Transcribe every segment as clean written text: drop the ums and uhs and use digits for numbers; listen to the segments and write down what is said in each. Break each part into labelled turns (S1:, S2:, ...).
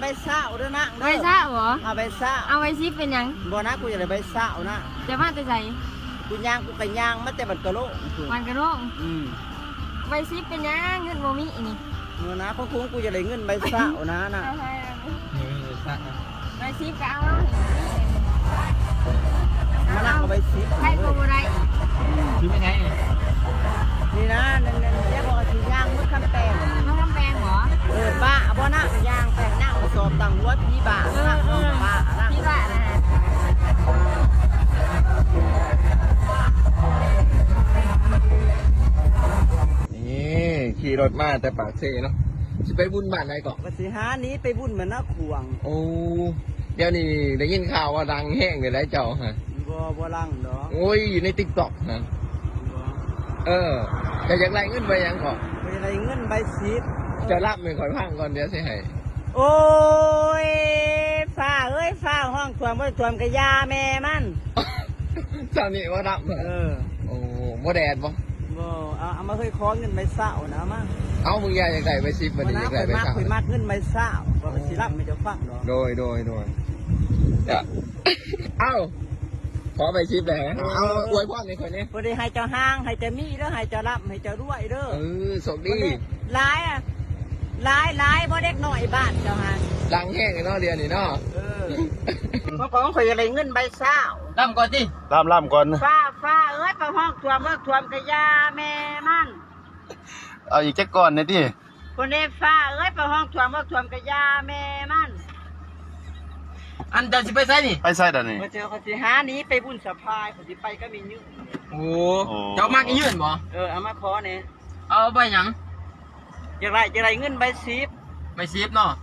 S1: ใบเศร้าด้วยนะ
S2: ใบซ่าเหรอ
S1: เอาใบเศร้า
S2: เอาไว้ซิเป็นยัง
S1: บ่นะกูจะได้ใบเศร้านะ
S2: จะมาแต่ใส่
S1: กูย่างกูก็ย่างมาแต่บัดกะโล
S2: วันกระโดงใบซิเป็นยังเงินโมมินี่
S1: เมื่อนะของกูจะได้เงินใบเศร้านะน่ะ
S2: ใบซิก็เอา
S1: มานั่งเอาใบซี
S2: ใครก็บ่ได้
S3: ซื้อไม่ใช่
S1: นี่นะนั่นเรียกว่าสิย่างมือคำแปลง
S2: มาทำแปลงเหรอ
S1: บ้าบ่นะย่างแปลงนั่งสอบตังหัวพี่บ้านั่งบ้านั่ง
S2: พี่ว่านะฮะ
S3: นี่ขี่รถมาแต่ปากเซเนาะจะไปบุญบ้านไหนก่อน
S1: ก็สิหานี้ไปบุญเหมือนนักขวง
S3: โอ้เดี๋ยวนี้ได้ยินข่าวว่าดังแห้งเลยได้เจ้าฮะ
S1: บ่ลังดอก
S3: โอ้ยอยู่ในติ๊กต็อกนะจะอยากไล่เงินไปยังก่อน
S1: ไปอะไรเงินใบซี
S3: จะรับไม่ค่อยพังก่อนเดี๋ยวสิให้
S1: โอ้ยฟ้าเอ้ยฟ้าห้องท่วมบ่ท่วมกะยาแม่มัน
S3: เจ้านี่ว่ารับเหรอโอ้โมแดดบ่
S1: บ่เอามาเคยขอเงินใบเศร้านะมา
S3: เอามึงอยากได้ไปซิปมันอยากได้ไป
S1: มาก
S3: สั่ง
S1: คุยมากเงินใบเศร้าบ่สิรับไม่จะฟังดอก
S3: โดยจะเอ้าขอไปซิปเลยเอาอวยพรในคนนี้
S1: บ่ได้ให้เจ้าห้างให้เจ้ามีเด้อให้เจ้ารับให้เจ้ารวยเด้อ
S3: สมดี
S1: หลายอ่ะหลายบ่เด็กน้อยบ้านเจ้าหา
S3: ดังแห้งเนาะเดียวนี่เนาะ
S1: ของข่อยอะไรเงินใบเศร้า
S3: ล่ำก่อนดิ
S4: ล่ำก่อน
S1: ฟ้าเอ้ยประห้องท่วมเมื่อท่วมกะยาแม่มัน
S4: เอาอีกแจ็คก่อนเนี่ยที่
S1: คนนี้ฟ้าเอ้ยประห้องท่วมเมื่อท่วมกะยาแม่มัน
S3: อันจะสิไปใส่นี่
S4: ไปใส่ดันนี่
S1: มาเจอเขาสิหานี้ไปบุญสะพายเขาสิไปก็มียืม
S3: โอ้เจ้ามากยืนบ่
S1: เอามาขอเนี่ย
S3: เอาไปหยัง
S1: จะไรเงินใบซีบ
S3: ไปซิปเนาะ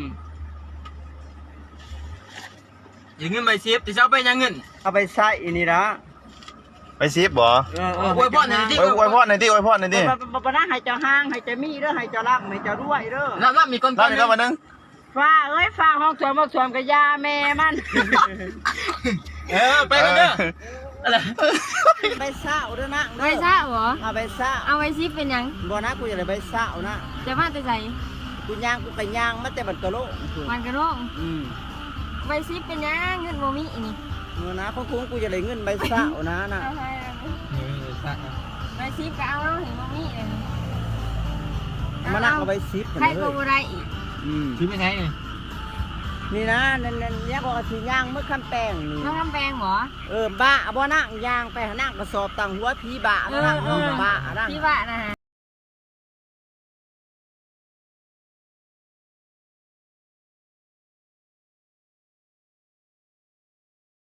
S3: อย่างเงินไปซิปแต่เจ้าไปยังเงิน
S1: เอาไปใส่อีนี่ละ
S4: ไปซีบบ่
S3: อวยพรหน่อยดิ
S4: อวยพรหน่อยที่อวยพรหน่อยที่
S1: บ่นะให้เจ้าห้างให้เจ้ามีเด้อให้เจ้ารับให้เจ้ารวยเด้อ
S3: แล้วมีคน
S4: เล่าหน่อยครับวันนึง
S1: ฟ้าเอ้ยฟ้าห้องท่วมเมื่อท่วมกะยาแม่มัน
S3: ไปกันเด้ออะไร
S1: ใบเศร้าเด้อนะ
S2: ใบซ่าเหรอ
S1: เอาใบเศร้า
S2: เอาไว้ซิเป็นยัง
S1: บ่นะกูจะได้ใบเศร้านะ
S2: จะมาแต่ใส่
S1: กูย่างกูก็ย่างมาแต่บัดกะโล
S2: วันกระโดงใบซิเป็นยังเงินโมมินี่
S1: เมื่อนะของกูจะได้เงินใบเศร้านะน่ะ
S2: ใบซิก็เอาเห็นโมมิเลย
S1: มานั่งเอาใบซีบ
S2: ใครก็บ่ได้อีก
S3: ซื้อไม่ใช่
S1: นี่นะนั่นเรียกว่าสิย่างมือคำแป้งนี่
S2: มาทำแปลงเหรอ
S1: บ้าบ่นั่งย่างไปนั่งกระสอบตังหัวผีบ้านั่งบ้านั่ง
S2: พี่ว่านะฮะ